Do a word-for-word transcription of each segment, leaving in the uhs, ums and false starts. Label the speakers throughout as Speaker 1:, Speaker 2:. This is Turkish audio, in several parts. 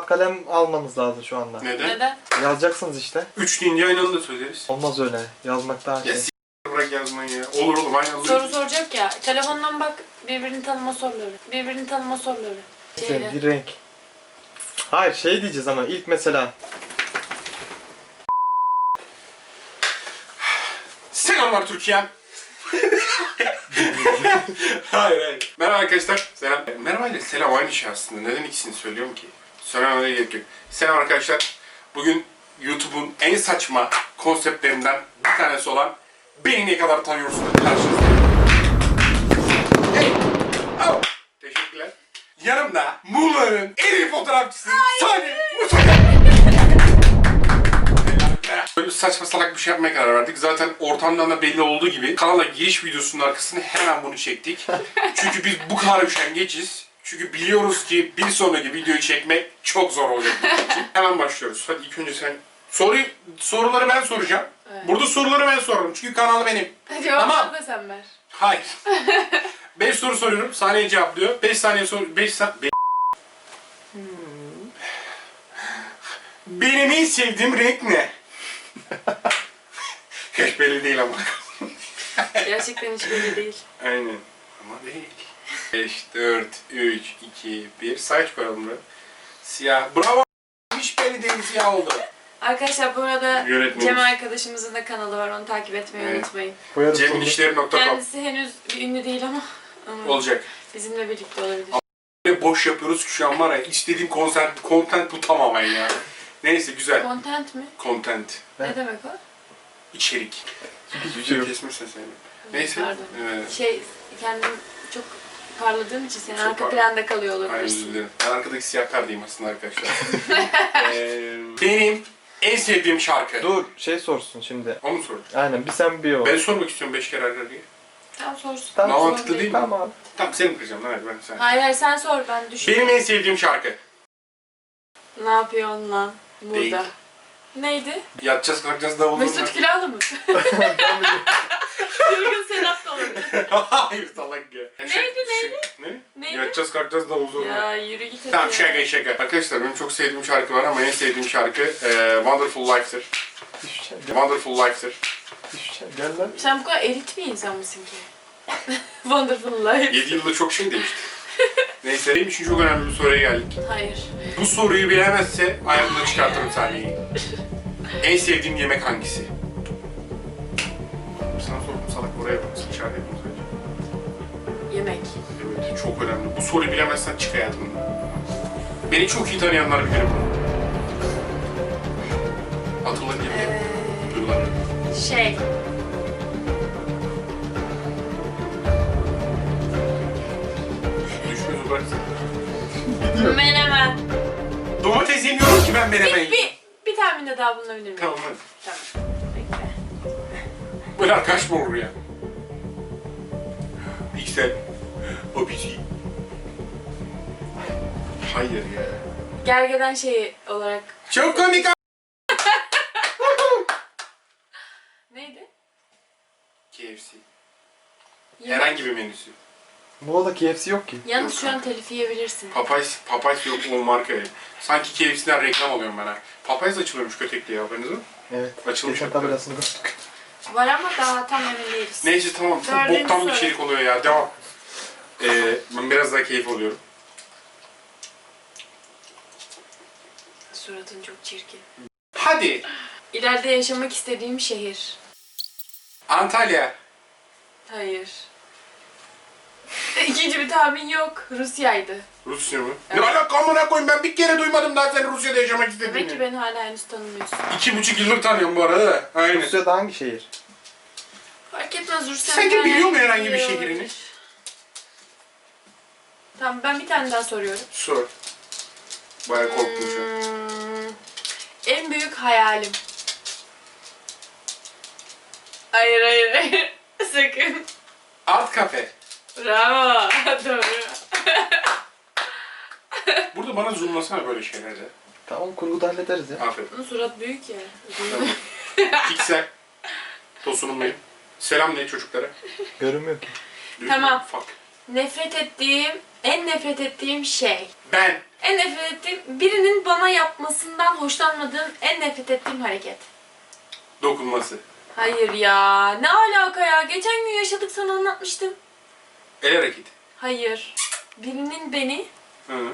Speaker 1: kalem almamız lazım şu anda.
Speaker 2: Neden?
Speaker 3: Neden?
Speaker 1: Yazacaksınız işte.
Speaker 2: Üç deyince aynı anda söyleriz.
Speaker 1: Olmaz öyle. Yazmak daha
Speaker 2: Ya
Speaker 1: şey.
Speaker 2: s*** bırak yazmayı ya. Olur oğlum aynı anda.
Speaker 3: Soru soracak ya. Telefondan bak birbirini tanıma soruları. Birbirini tanıma soruları. Şeyle.
Speaker 1: Bir renk. Hayır şey diyeceğiz ama ilk mesela.
Speaker 2: Selamlar Türkiye'm. Hayır hayır. Merhaba arkadaşlar. Selam. Merhaba ile selam aynı şey aslında. Neden ikisini söylüyorum ki? Söylememe gerek yok. Selam arkadaşlar. Bugün YouTube'un en saçma konseptlerinden bir tanesi olan Beni Ne Kadar Tanıyorsun'un karşınızdayım. Hey! Oh! Teşekkürler. Yanımda Muğla'nın en iyi fotoğrafçısı Salih Mustafa. Böyle saçma salak bir şey yapmaya karar verdik. Zaten ortamdan da belli olduğu gibi kanala giriş videosunun arkasına hemen bunu çektik. Çünkü biz bu kadar üşengeciz. Çünkü biliyoruz ki bir sonraki videoyu çekmek çok zor olacak. Hemen başlıyoruz. Hadi ilk önce sen soruyu soruları ben soracağım.
Speaker 3: Evet.
Speaker 2: Burada soruları ben sorarım. Çünkü kanal benim.
Speaker 3: Cevapları
Speaker 2: Tamam.
Speaker 3: da sen ver.
Speaker 2: Hayır. beş soru soruyorum. Saniye cevaplıyor. beş saniye sor beş saniye hmm. Benim en sevdiğim renk ne? Hiç belli değil ama.
Speaker 3: Gerçekten hiç belli değil.
Speaker 2: Aynen. Ama değil. beş, dört, üç, iki, bir. Say çıkaralım buraya. Siyah. Bravo. Hiç belli değil, siyah oldu.
Speaker 3: Arkadaşlar bu arada
Speaker 2: Yönetmenimiz.
Speaker 3: Cem arkadaşımızın da kanalı var. Onu takip etmeyi
Speaker 2: Evet.
Speaker 3: unutmayın.
Speaker 2: cemilişleri nokta com
Speaker 3: Kendisi henüz bir ünlü değil ama, ama
Speaker 2: olacak.
Speaker 3: bizimle birlikte olabilir.
Speaker 2: Ne boş yapıyoruz ki şu an var ya. İstediğim konser, content bu tamamen ya. Neyse güzel.
Speaker 3: Content mi?
Speaker 2: Content.
Speaker 3: Ne demek o?
Speaker 2: İçerik.
Speaker 1: Hiçbir şey yok.
Speaker 2: Kesmişsin seni. Neyse.
Speaker 3: Pardon.
Speaker 2: Evet.
Speaker 3: Şey, kendim çok parladığım için senin
Speaker 2: Çok
Speaker 3: arka
Speaker 2: par-
Speaker 3: planda kalıyor
Speaker 2: Aynen özür
Speaker 3: olabilirsin.
Speaker 2: dilerim. Ben arkadaki siyah kardayım aslında arkadaşlar. ee, benim en sevdiğim şarkı.
Speaker 1: Dur şey sorsun şimdi.
Speaker 2: O mu sorun?
Speaker 1: Aynen bir sen bir o.
Speaker 2: Ben sormak istiyorum beş kere arka arkaya.
Speaker 3: Tamam sorsun.
Speaker 1: Tamam,
Speaker 3: Sorun
Speaker 2: mantıklı değil mi?
Speaker 1: Tamam abi.
Speaker 2: Tamam seni kıracağım lan hadi ben sen.
Speaker 3: Hayır hayır sen sor ben düşünüyorum.
Speaker 2: Benim en sevdiğim şarkı.
Speaker 3: Ne yapıyorsun lan burada?
Speaker 2: Değil.
Speaker 3: Neydi?
Speaker 2: Yatacağız kalkacağız davul
Speaker 3: Mesut
Speaker 2: zurna.
Speaker 3: Kilalı mı? Çılgın Sedat da olabilir.
Speaker 2: Hayır salak ya.
Speaker 3: Neydi,
Speaker 2: Şey-
Speaker 3: neydi?
Speaker 2: Ne?
Speaker 3: Neydi?
Speaker 2: Yatacağız kalkacağız davul zurna.
Speaker 3: Ya yürü git hadi
Speaker 2: Tamam
Speaker 3: ya.
Speaker 2: şaka şaka. Arkadaşlar benim çok sevdiğim şarkı var ama en sevdiğim şarkı e, Wonderful Life'tır.
Speaker 1: Düşeceğim.
Speaker 2: Wonderful Life'tır.
Speaker 1: Düşeceğim. Gel lan.
Speaker 3: Sen bu kadar elit bir insan mısın ki? Wonderful Life.
Speaker 2: yedi yılda çok şey değişti. Neyse benim için çok önemli bir soruya geldik.
Speaker 3: Hayır.
Speaker 2: Bu soruyu bilemezse ayağımdan çıkartırım sahneyi. En sevdiğim yemek hangisi? Sana sordum salak oraya bak. İçeride yapayım sadece.
Speaker 3: Yemek.
Speaker 2: Evet çok önemli. Bu soruyu bilemezsen çık hayatımdan. Beni çok iyi tanıyanlar bilir bunu. Hatırlayın diye
Speaker 3: Ee,
Speaker 2: duygular.
Speaker 3: şey.
Speaker 2: Düşünüyorsun bıraksın.
Speaker 3: Menemen.
Speaker 2: Domates yemiyorum ki ben menemen
Speaker 3: Bir,
Speaker 2: yiyeyim.
Speaker 3: bir, bir tahminde daha bulunabilir miyim?
Speaker 2: Tamam hadi.
Speaker 3: Tamam. Bekle.
Speaker 2: Böyle arkadaş mı olur ya? Piksel. O bizi. Hayır ya.
Speaker 3: Gergeden şeyi olarak.
Speaker 2: Çok komik a-
Speaker 3: Neydi?
Speaker 2: K F C.
Speaker 3: Yemek.
Speaker 2: Herhangi bir menüsü.
Speaker 1: Muğla'da K F C yok ki.
Speaker 3: Yalnız
Speaker 2: Yok
Speaker 3: şu an
Speaker 2: kanka.
Speaker 3: telif yiyebilirsin.
Speaker 2: Popeyes, Popeyes yok o markayı. Sanki K F C'den reklam alıyorum ben ha. Popeyes açılıyormuş Kötekli'ye haberiniz mi?
Speaker 1: Evet.
Speaker 2: Açılmış
Speaker 1: Geçen
Speaker 2: hatta.
Speaker 1: tabelasını gördük.
Speaker 3: Var ama daha tam emin değiliz.
Speaker 2: Neyse tamam çok
Speaker 3: Dördüncü
Speaker 2: boktan bir
Speaker 3: soru.
Speaker 2: içerik oluyor ya devam. Ee, ben biraz daha keyif alıyorum.
Speaker 3: Suratın çok çirkin.
Speaker 2: Hadi.
Speaker 3: İleride yaşamak istediğim şehir.
Speaker 2: Antalya.
Speaker 3: Hayır. İkinci bir tahmin yok. Rusya'ydı.
Speaker 2: Rusya mı?
Speaker 3: Evet.
Speaker 2: Ne alaka amına koyayım ben bir kere duymadım daha sen Rusya'da yaşamak
Speaker 3: Demek ki
Speaker 2: istediğini.
Speaker 3: beni hala henüz tanımıyorsun.
Speaker 2: İki buçuk yıldır tanıyorum bu arada da. Aynen.
Speaker 1: Rusya'da hangi şehir?
Speaker 3: Fark etmez Rusya.
Speaker 2: Sanki biliyor mu herhangi bir şehrini?
Speaker 3: Tamam ben bir tane daha soruyorum.
Speaker 2: Sor. Bayağı korktum şu an.
Speaker 3: Hmm, en büyük hayalim. Hayır hayır hayır. Sakın.
Speaker 2: Art kafe.
Speaker 3: Bravo. Doğru.
Speaker 2: Burada bana zoomlasana böyle şeylerde.
Speaker 1: Tamam kurguda hallederiz ya.
Speaker 2: Aferin.
Speaker 3: Bunun surat büyük ya.
Speaker 2: Tamam. Piksel. Tosunum benim. Selam ne çocuklara?
Speaker 1: Görünmüyor ki.
Speaker 2: Büyük
Speaker 3: Tamam.
Speaker 2: mü? Fuck.
Speaker 3: Nefret ettiğim En nefret ettiğim şey.
Speaker 2: Ben.
Speaker 3: En nefret ettiğim, birinin bana yapmasından hoşlanmadığım en nefret ettiğim hareket.
Speaker 2: Dokunması.
Speaker 3: Hayır ya. Ne alaka ya? Geçen gün yaşadık, sana anlatmıştım.
Speaker 2: El hareketi.
Speaker 3: Hayır. Birinin beni...
Speaker 2: Hı.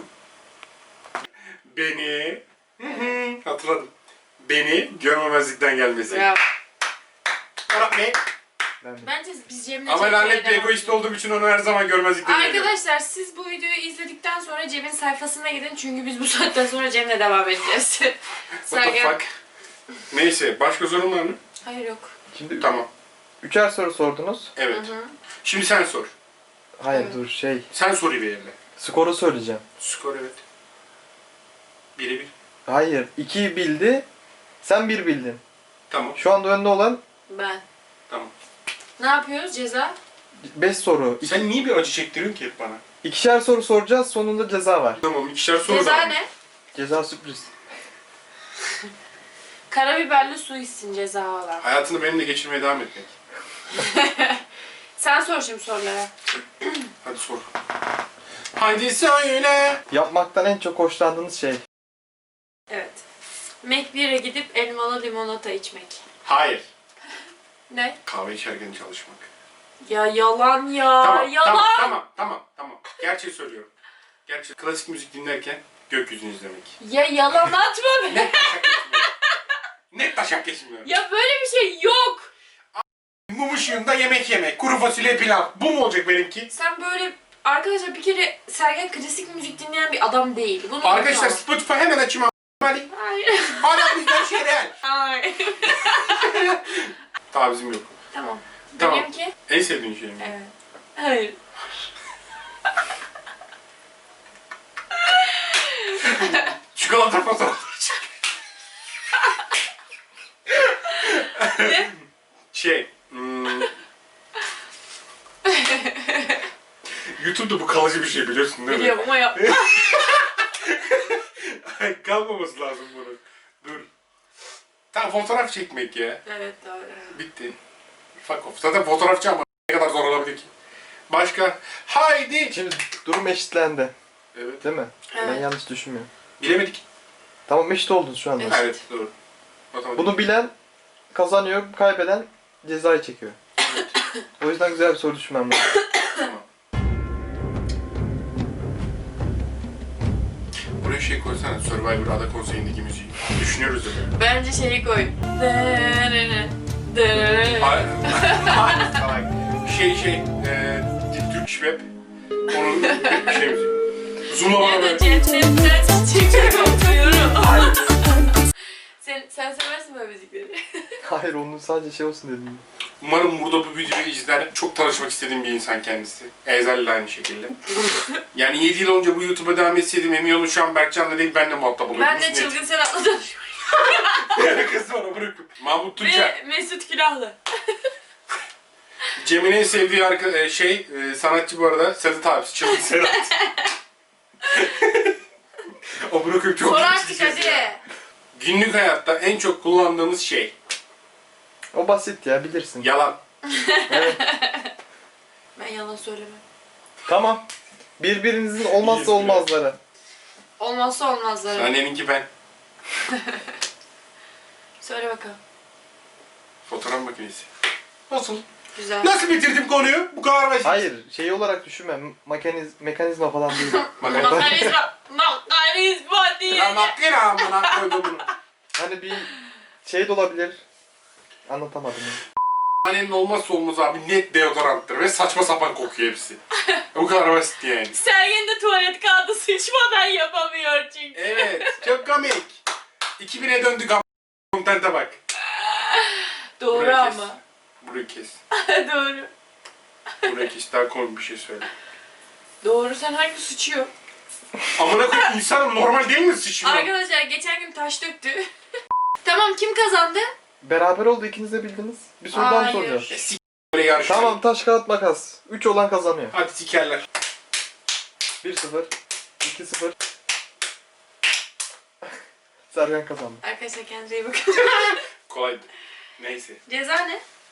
Speaker 2: Beni... Hı hı. Hatırladım. Beni görmemezlikten gelmesi.
Speaker 3: Ya,
Speaker 2: Arap ne?
Speaker 1: Ben de.
Speaker 3: bence biz Cem'le
Speaker 2: Ama
Speaker 3: çekmeye
Speaker 2: lanet bir
Speaker 3: devam
Speaker 2: egoist
Speaker 3: edelim.
Speaker 2: olduğum için onu her zaman görmezlikten geliyorum.
Speaker 3: Arkadaşlar siz bu videoyu izledikten sonra Cem'in sayfasına gidin çünkü biz bu saatten sonra Cem'le devam edeceğiz.
Speaker 2: What the
Speaker 3: Sergen.
Speaker 2: fuck? Neyse, başka sorun var mı?
Speaker 3: Hayır yok.
Speaker 1: Şimdi
Speaker 2: Tamam.
Speaker 1: üçer soru sordunuz.
Speaker 2: Evet.
Speaker 3: Hı hı.
Speaker 2: Şimdi sen sor.
Speaker 1: Hayır
Speaker 3: Evet.
Speaker 1: dur şey.
Speaker 2: Sen soruyu belirle.
Speaker 1: Skoru söyleyeceğim.
Speaker 2: Skor evet. Bire bir.
Speaker 1: Hayır. iki bildi. Sen bir bildin.
Speaker 2: Tamam.
Speaker 1: Şu anda önde olan
Speaker 3: Ben.
Speaker 2: Tamam.
Speaker 3: Ne yapıyoruz? Ceza?
Speaker 1: beş soru. İki,
Speaker 2: Sen niye bir acı çektiriyorsun ki hep bana?
Speaker 1: ikişer soru soracağız. Sonunda ceza var.
Speaker 2: Tamam, ikişer soru
Speaker 3: Ceza
Speaker 2: da.
Speaker 3: ne?
Speaker 1: Ceza sürpriz.
Speaker 3: Karabiberli su içsin ceza olarak.
Speaker 2: Hayatını benimle geçirmeye devam etmek.
Speaker 3: Sen sor şimdi sorulara.
Speaker 2: Hadi sor. Hadi söyle.
Speaker 1: Yapmaktan en çok hoşlandığınız şey.
Speaker 3: Evet. McBeer'e gidip elmalı limonata içmek.
Speaker 2: Hayır.
Speaker 3: Ne?
Speaker 2: Kahve içerken çalışmak.
Speaker 3: Ya yalan ya.
Speaker 2: Tamam,
Speaker 3: yalan.
Speaker 2: tamam, tamam, tamam, tamam. Gerçeği söylüyorum. Gerçek klasik müzik dinlerken gökyüzünü izlemek.
Speaker 3: Ya yalan atma be.
Speaker 2: Net taşak geçmiyor. Net taşak geçmiyor.
Speaker 3: Ya böyle bir şey yok.
Speaker 2: Mum ışığında yemek yemek, kuru fasulye pilav. Bu mu olacak benimki?
Speaker 3: Sen böyle... Arkadaşlar bir kere Sergen klasik müzik dinleyen bir adam değil. Bunu
Speaker 2: Arkadaşlar
Speaker 3: unutma.
Speaker 2: Spotify hemen açayım. Hadi.
Speaker 3: Hayır.
Speaker 2: Hala bizden şey real.
Speaker 3: Hayır.
Speaker 2: Tavizim yok.
Speaker 3: Tamam.
Speaker 2: Tamam.
Speaker 3: Benimki?
Speaker 2: En sevdiğin şey mi?
Speaker 3: Evet. Hayır.
Speaker 2: Çikolata fotoğrafları çek.
Speaker 3: Ne?
Speaker 2: Şey, hmm... YouTube'da bu kalıcı bir şey biliyorsun değil mi?
Speaker 3: Biliyorum ama yap.
Speaker 2: Kalmaması lazım bunun. Dur. Tamam, fotoğraf çekmek ya.
Speaker 3: Evet doğru. Evet.
Speaker 2: Bitti. Fuck off. Zaten fotoğrafçı ama ne kadar zor olabilir ki? Başka? Haydi!
Speaker 1: Şimdi durum eşitlendi.
Speaker 2: Evet.
Speaker 1: Değil mi? Ben
Speaker 3: Evet.
Speaker 1: yanlış düşünmüyorum.
Speaker 2: Bilemedik.
Speaker 1: Tamam eşit oldunuz şu anda.
Speaker 3: Evet.
Speaker 2: Evet, doğru. Matematik.
Speaker 1: Bunu bilen kazanıyor, kaybeden cezayı çekiyor. O yüzden güzel bir soru düşünmem lazım.
Speaker 2: Tamam. Buraya şey koysana, Survivor Ada Konseyi'ndeki müziği. Düşünüyoruz da böyle.
Speaker 3: Bence şeyi koy. Dırırı, dırırı.
Speaker 2: Hayır. Hayır, salak. Şey şey, eee... Türk Şweb. Onun bir şey müziği. Zoom'la bana
Speaker 3: Ya da
Speaker 2: böyle.
Speaker 3: cennetten çiçek kokuyorum. Sen, sen seversin böyle müzikleri.
Speaker 1: Hayır onun sadece şey olsun dedim.
Speaker 2: Umarım burada bu videoyu izler. Çok tanışmak istediğim bir insan kendisi. Ezel de aynı şekilde. Yani yedi yıl önce bu YouTube'a devam etseydim emin olun şu an Berkcan'la değil benle muhatap oluyordum.
Speaker 3: Ben de Çılgın Serhat'la tanışıyorum.
Speaker 2: Ne alakası var o bırakıp. Mahmut Tuncer.
Speaker 3: Ve Mesut Külahlı.
Speaker 2: Cem'in en sevdiği arka, e, şey, e, sanatçı bu arada Sedat abisi. Çılgın Sedat. O bırakıp çok
Speaker 3: Sor
Speaker 2: iyi
Speaker 3: artık
Speaker 2: ses
Speaker 3: hadi.
Speaker 2: ya. Günlük hayatta en çok kullandığımız şey.
Speaker 1: O basit ya bilirsin.
Speaker 2: Yalan.
Speaker 1: Evet.
Speaker 3: Ben yalan söylemem.
Speaker 1: Tamam. Birbirinizin olmazsa olmazları.
Speaker 3: Olmazsa olmazları.
Speaker 2: Anneninki ben.
Speaker 3: Söyle bakalım.
Speaker 2: Fotoğraf makinesi. Nasıl?
Speaker 3: Güzel.
Speaker 2: Nasıl bitirdim konuyu? Bu kadar basit.
Speaker 1: Hayır şey olarak düşünme. Mekaniz mekanizma falan değil.
Speaker 3: Makanizma. Makanizma diye.
Speaker 2: Ya makine amına koydum bunu.
Speaker 1: Hani bir şey de olabilir. Anlatamadım ya.
Speaker 2: Annenin olmazsa olmaz abi net deodoranttır ve saçma sapan kokuyor hepsi. Bu kadar basit yani.
Speaker 3: Sergen de tuvalet kağıdı sıçmadan yapamıyor çünkü.
Speaker 2: Evet, çok komik. iki bine döndük ama kontente bak.
Speaker 3: Doğru
Speaker 2: Burayı kes.
Speaker 3: ama.
Speaker 2: Burayı kes.
Speaker 3: Doğru.
Speaker 2: Burayı kes. Daha komik bir şey söyle.
Speaker 3: Doğru, sen hangi sıçıyor?
Speaker 2: Amına koyayım insanım normal değil mi sıçmıyor?
Speaker 3: Arkadaşlar geçen gün taş döktü. Tamam, kim kazandı?
Speaker 1: Beraber oldu ikiniz de bildiniz. Bir soru daha mı
Speaker 3: Hayır.
Speaker 1: soracağız?
Speaker 2: Ya sik böyle yarış.
Speaker 1: Tamam taş kağıt makas. üç olan kazanıyor.
Speaker 2: Hadi sikerler.
Speaker 1: bir sıfır. iki sıfır. Sergen kazandı.
Speaker 3: Arkadaşlar kendinize iyi bakın.
Speaker 2: Kolaydı. Neyse.
Speaker 3: Ceza ne?